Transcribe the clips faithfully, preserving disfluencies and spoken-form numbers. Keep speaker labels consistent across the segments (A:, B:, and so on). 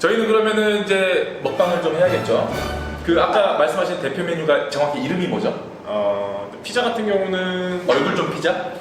A: 저희는 그러면은 이제 먹방을 좀 해야겠죠. 그 아까 말씀하신 대표 메뉴가 정확히 이름이 뭐죠?
B: 어, 피자 같은 경우는
A: 얼굴 좀 피자?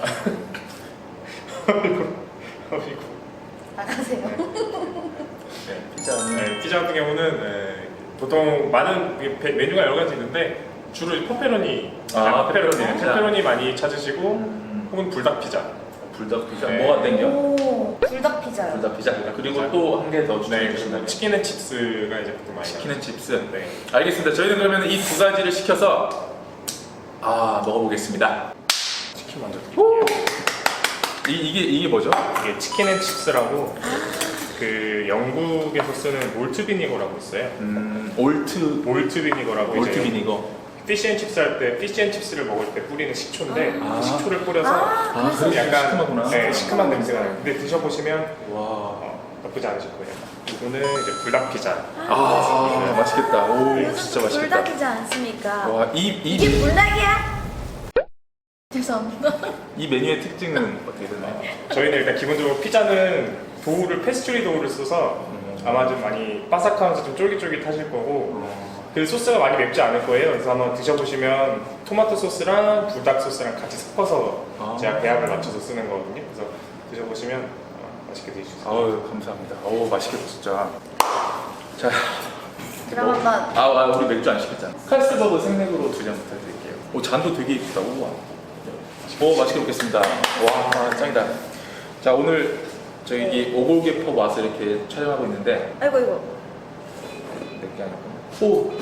C: 나가세요.
A: 네, 피자는
B: 네, 피자 같은 경우는 네, 보통 많은 메- 메뉴가 여러 가지 있는데 주로 페페로니,
A: 아,
B: 페페로니,
A: 페페로니 피자.
B: 페페로니 많이 찾으시고
A: 음,
B: 혹은 불닭 피자.
A: 불닭 피자.
B: 네.
A: 뭐가 땡겨?
C: 오, 불닭 피자요.
A: 불닭 피자. 그리고
B: 피자.
A: 또 한 개 더
B: 네,
A: 추천해
B: 그리고
A: 주신다면
B: 치킨 앤 칩스가 이제 보통 많이
A: 치킨 앤 칩스.
B: 나와요. 네.
A: 알겠습니다. 저희는 그러면 이 두 가지를 시켜서 아 먹어보겠습니다.
B: 치킨 먼저 드릴게요.
A: 이, 이게 이게 뭐죠?
B: 이게 치킨 앤 칩스라고 그 영국에서 쓰는 몰트 비니거라고 있어요.
A: 음, 올트
B: 몰트 비니거라고
A: 올트
B: 이제
A: 비니거.
B: 피쉬 앤 칩스 할 때 피쉬 앤 칩스를 먹을 때 뿌리는 식초인데
A: 아.
B: 식초를 뿌려서
C: 아,
A: 아, 그래서
B: 약간
A: 시큼하구나.
B: 네, 시큼한 냄새가 나요. 근데 드셔보시면
A: 와.
B: 어, 나쁘지 않으실 거예요. 이거는 이제 불닭 피자.
A: 아, 맛있겠다. 오,
C: 요즘
A: 진짜 맛있겠다.
C: 불닭이지 않습니까?
A: 와, 이, 이,
C: 이게
A: 메-
C: 불닭이야? 죄송합니다.
A: 이 메뉴의 특징은 어떻게 되나요?
B: 저희는 일단 기본적으로 피자는 도우를 페스츄리 도우를 써서
A: 음.
B: 아마 좀 많이 바삭하면서 좀 쫄깃쫄깃하실 거고
A: 어,
B: 그 소스가 많이 맵지 않을 거예요. 그래서 한번 드셔보시면 토마토 소스랑 불닭 소스랑 같이 섞어서
A: 아.
B: 제가 배합을 맞춰서 쓰는 거거든요. 그래서 드셔보시면 어, 맛있게 드실 수 있어요.
A: 아유, 감사합니다. 오, 맛있겠다, 진짜. 자,
C: 그럼 한번
A: 아, 아, 우리 맥주 안 시켰잖아. 칼스버거 생맥으로 두 잔 부탁드릴게요. 오, 잔도 되게 이쁘다. 우와. 오, 맛있게 먹겠습니다. 와, 짱이다. 자, 오늘 저희 오골계 펍 와서 이렇게 촬영하고 있는데
C: 아이고 이거
A: 몇개 아니고. 오,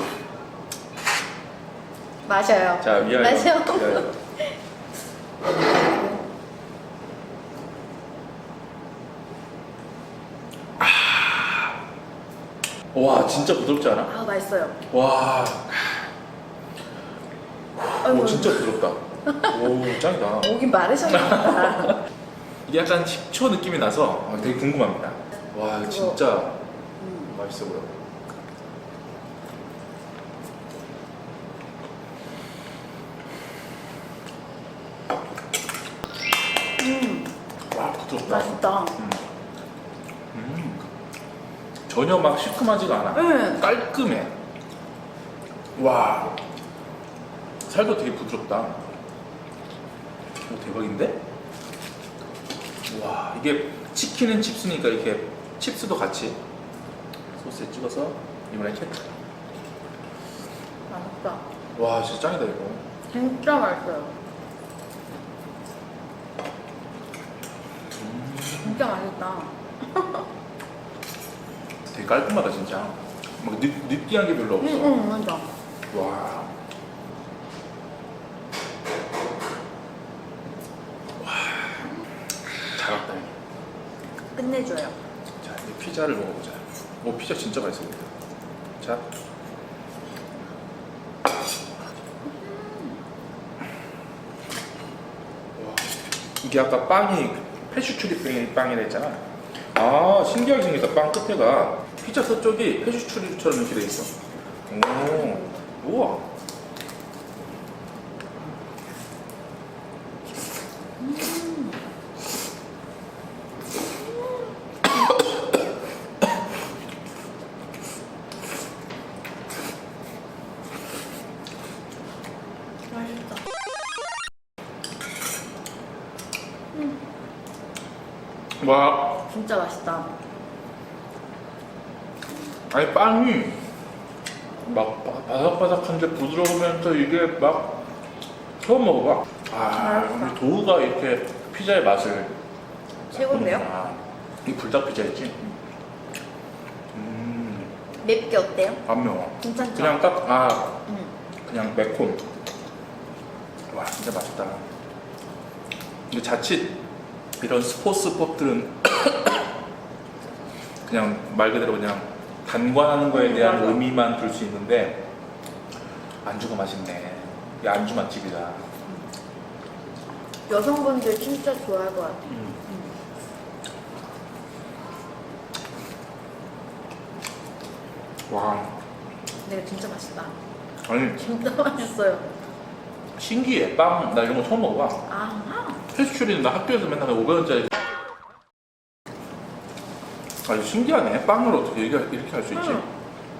C: 마셔요.
A: 자, 위하여.
C: 마셔.
A: 위하여. 와, 진짜 부드럽지 않아?
C: 아 맛있어요.
A: 와,
C: 아이고.
A: 오, 진짜 부드럽다. 오, 짱이다.
C: 목이 마르셨나보다.
A: 이게 약간 식초 느낌이 나서 아, 되게 궁금합니다. 와, 이거
C: 그거-
A: 진짜
C: 음.
A: 맛있어 보여.
C: 음,
A: 와, 부드럽다.
C: 맛있다.
A: 음. 음. 전혀 막 시큼하지가 않아.
C: 응.
A: 깔끔해. 와, 살도 되게 부드럽다. 오, 대박인데? 와, 이게 치킨은 칩스니까 이렇게 칩스도 같이 소스에 찍어서 이번에 이렇게.
C: 맛있다.
A: 와, 진짜 짱이다 이거.
C: 진짜 맛있어요. 진짜 맛있다.
A: 되게 깔끔하다 진짜. 막 느, 느끼한 게 별로
C: 응,
A: 없어.
C: 응, 맞아.
A: 와. 와. 잘 왔다. 이거.
C: 끝내줘요.
A: 자, 이제 피자를 먹어보자. 오, 피자 진짜 맛있어 보인다. 자. 와. 이게 아까 빵이 페슈추리 빵이라 했잖아. 아, 신기하게 생겼다. 빵 끝에가 피자 서쪽이 페슈추리처럼 이렇게 돼 있어. 오, 우와.
C: 맛있다.
A: 와,
C: 진짜 맛있다.
A: 아니 빵이 막 바- 바삭바삭한데 부드러우면서 이게 막 처음 먹어봐. 아,
C: 맛있다.
A: 우리 도우가 이렇게 피자의 맛을
C: 최고인데요?
A: 아, 이 불닭 피자였지? 음,
C: 맵게 어때요?
A: 안 매워.
C: 괜찮죠?
A: 그냥 딱, 아,
C: 응.
A: 그냥 매콤. 와, 진짜 맛있다. 근데 자칫 이런 스포츠 펍들은 그냥 말 그대로 그냥 단관하는 거에
C: 음,
A: 대한
C: 맞아.
A: 의미만 둘 수 있는데 안주가 맛있네. 이 안주 맛집이다.
C: 여성분들 진짜 좋아할 것 같아요.
A: 음. 와,
C: 근데 진짜 맛있다.
A: 아니
C: 진짜 맛있어요.
A: 신기해. 빵, 나 이런 거 처음 먹어봐.
C: 아,
A: 페스츄리는 나 학교에서 맨날 오백 원짜리 아주 신기하네. 빵을 어떻게 이렇게, 이렇게 할 수 있지?
C: 음.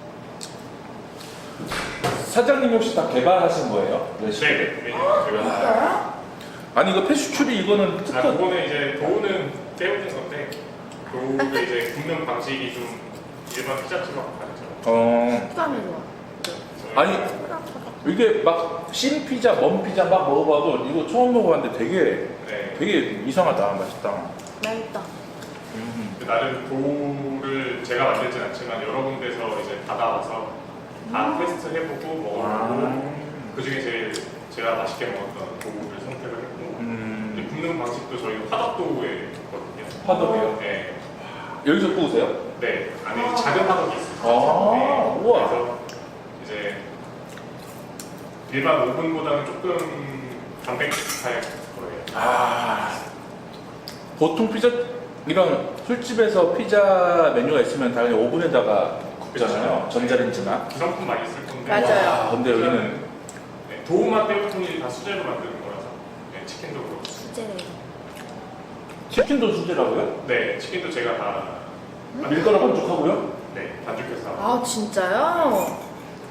A: 사장님 혹시 다 개발하신 거예요? 레시피?
B: 네, 메뉴 제가.
C: 진짜요?
A: 아니 이거 페슈츄리 이거는
B: 아,
A: 특허.
B: 그거는 이제 도우는 때우는 건데 도우가 이제 굽는 방식이 좀 일반 피자집하고 다르죠.
A: 어.
C: 식감이 좋아.
A: 아니 이게 막 신 피자, 먼 피자 막 먹어봐도 이거 처음 먹어봤는데 되게
B: 네.
A: 되게 이상하다. 맛있다.
C: 맛있다.
A: 음.
B: 그 나름 도우를 제가 만들진 않지만 여러 군데서 이제 받아와서 다 테스트 해보고 먹어보고
A: 아.
B: 그 중에 제일 제가 맛있게 먹었던 도우를 선택을 했고
A: 음.
B: 이제 굽는 방식도 저희 화덕 도우에 있거든요.
A: 화덕이요?
B: 네.
A: 여기서 구우세요?
B: 네. 안에 작은 화덕이 있어요.
A: 아,
B: 네.
A: 우와.
B: 그래서 이제 일반 오븐보다는 조금 단백질 거예요.
A: 아. 보통 피자 이런 술집에서 피자 메뉴가 있으면 당연히 오븐에다가 굽잖아요.
B: 그쵸.
A: 전자레인지나.
B: 기성품 많이 쓸 건데
C: 맞아요.
A: 와, 근데 여기는
B: 네, 도우맛 때부터는 다 수제로 만드는 거라서 네, 치킨도 그렇고
C: 수제래.
A: 치킨도 수제라고요?
B: 네 치킨도 제가 다
A: 밀가루 반죽하고요?
B: 네, 반죽해서
C: 아 진짜요?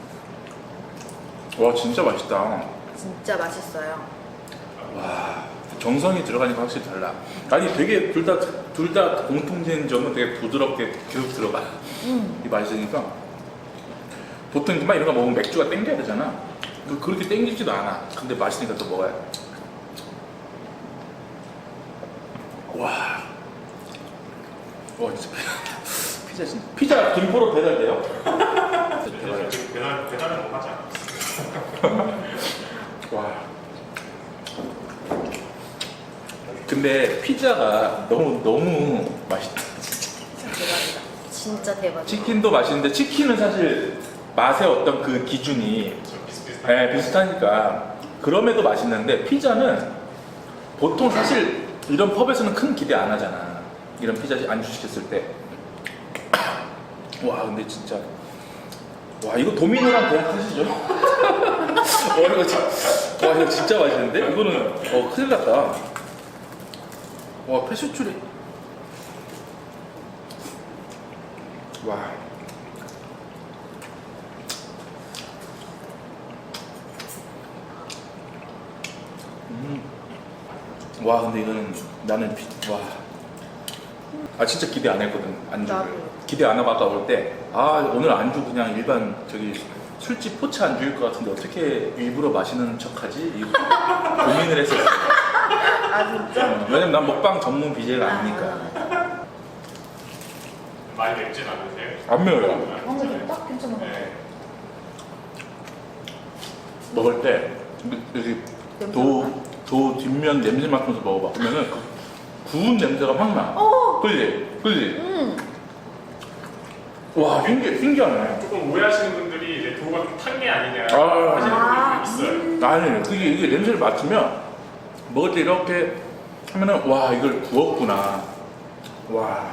A: 와 진짜 맛있다.
C: 진짜 맛있어요.
A: 와 정성이 들어가니까 확실히 달라. 아니 되게 둘 다 둘 다 공통된 점은 되게 부드럽게 계속 들어가.
C: 음.
A: 이 맛있으니까 보통 이만 이런 거 먹으면 맥주가 땡겨야 되잖아. 그- 그렇게 땡기지도 않아. 근데 맛있으니까 또 먹어야 돼. 와. 와 진짜 피- 피자 진짜 피자 김포로 배달돼요?
B: 그래서 지금 배달, 배달은 뭐 하지 않았어요.
A: 와. 근데 피자가 너무 너무 맛있다.
C: 진짜 대박이다. 진짜 대박이다.
A: 치킨도 맛있는데 치킨은 사실 맛의 어떤 그 기준이
B: 좀 비슷비슷한
A: 네, 비슷하니까 그럼에도 맛있는데 피자는 보통 사실 이런 펍에서는 큰 기대 안 하잖아. 이런 피자 안주 시켰을 때. 와 근데 진짜 와 이거 도미노랑 계약하시죠? 와 이거 진- 와 이거 진짜 맛있는데? 이거는 어 큰일 났다. 와 페슈츄리 와 음. 와 근데 이거는 나는 피, 와. 아 진짜 기대 안 했거든 안주를.
C: 나도.
A: 기대 안 하고 아까 올 때 아 오늘 안주 그냥 일반 저기 술집 포차 안주일 것 같은데 어떻게 일부러 마시는 척하지? 이 고민을 했었어.
C: 아 진짜?
A: 어, 왜냐면 난 먹방 전문 비제이가 아니니까.
C: 맞아, 맞아.
B: 많이 맵진 않으세요?
A: 안 매워요.
C: 아, 근데 딱 괜찮아.
B: 네.
A: 먹을 때 여기 도, 도 뒷면 냄새 맡으면서 먹어봐. 그러면은 그 구운 냄새가 확 나.
C: 어.
A: 그지? 그지?
C: 음.
A: 와 신기, 신기하네.
B: 조금 오해하시는 분들이 이제 도우가 좀 탄 게 아니냐
A: 아.
B: 하시는 분들이 있어요.
A: 아니 그게 이게 냄새를 맡으면 먹을 때 이렇게 하면은 와 이걸 구웠구나. 와.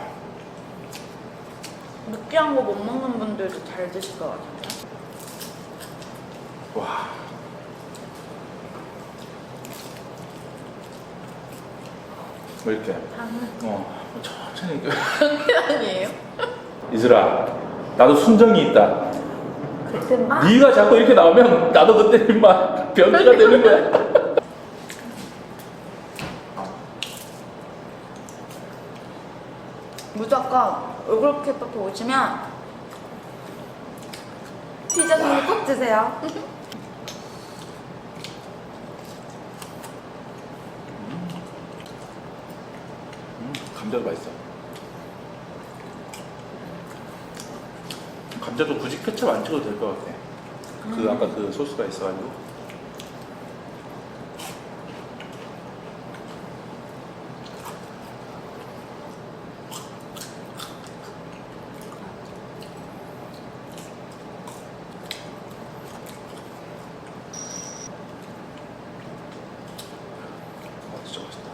C: 느끼한 거 못 먹는 분들도 잘 드실 것 같은데.
A: 와. 뭐 이렇게
C: 당연.
A: 어 천천히
C: 아니에요?
A: 이슬아 나도 순정이 있다.
C: 그때 막
A: 네가 자꾸 이렇게 나오면 나도 그때 막 변태가 되는 거야.
C: 무조건 얼굴 케이팝 오시면 피자 종류 꼭 드세요.
A: 음, 감자도 맛있어. 감자도 굳이 케첩 안 찍어도 될 것 같아. 그 아까 그 소스가 있어가지고. 아 진짜 맛있다.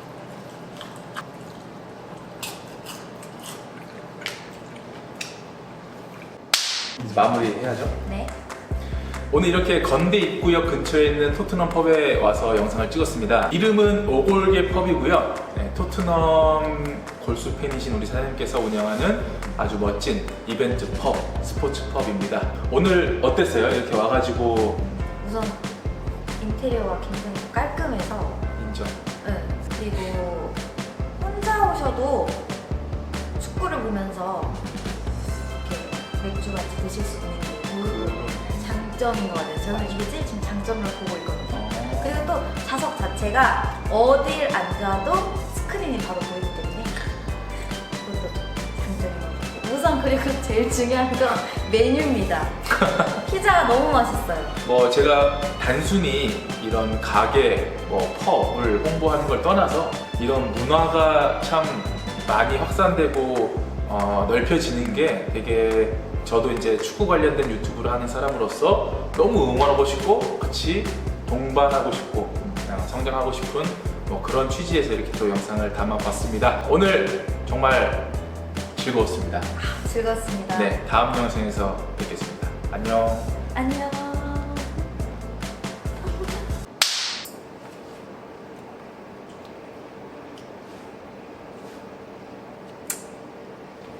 A: 이제 마무리 해야죠.
C: 네.
A: 오늘 이렇게 건대 입구역 근처에 있는 토트넘 펍에 와서 영상을 찍었습니다. 이름은 오골계 펍이고요. 네, 토트넘 골수 팬이신 우리 사장님께서 운영하는 아주 멋진 이벤트 펍, 스포츠 펍입니다. 오늘 어땠어요? 이렇게 와가지고.
C: 우선 인테리어가 굉장히 깔끔해서
A: 인정.
C: 네. 그리고 혼자 오셔도 축구를 보면서 이렇게 맥주 같이 드실 수 있는 게
A: 그,
C: 장점인 것 같아요. 저는 이게 제일 지금 장점으로 보고 있거든요.
A: 어,
C: 그리고 또 좌석 자체가 어딜 앉아도 스크린이 바로 보이기 때문에 그것도 장점인 것 같아요. 우선 그리고 제일 중요한 건 메뉴입니다. 피자가 너무 맛있어요.
A: 뭐 제가 단순히 이런 가게, 뭐 펍을 홍보하는 걸 떠나서 이런 문화가 참 많이 확산되고 어, 넓혀지는 게 되게 저도 이제 축구 관련된 유튜브를 하는 사람으로서 너무 응원하고 싶고 같이 동반하고 싶고 어, 성장하고 싶은 뭐 그런 취지에서 이렇게 또 영상을 담아봤습니다. 오늘 정말 즐거웠습니다.
C: 즐거웠습니다.
A: 네, 다음 영상에서 뵙겠습니다. 안녕.
C: 안녕.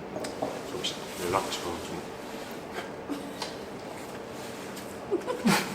B: 혹시 연락처 좀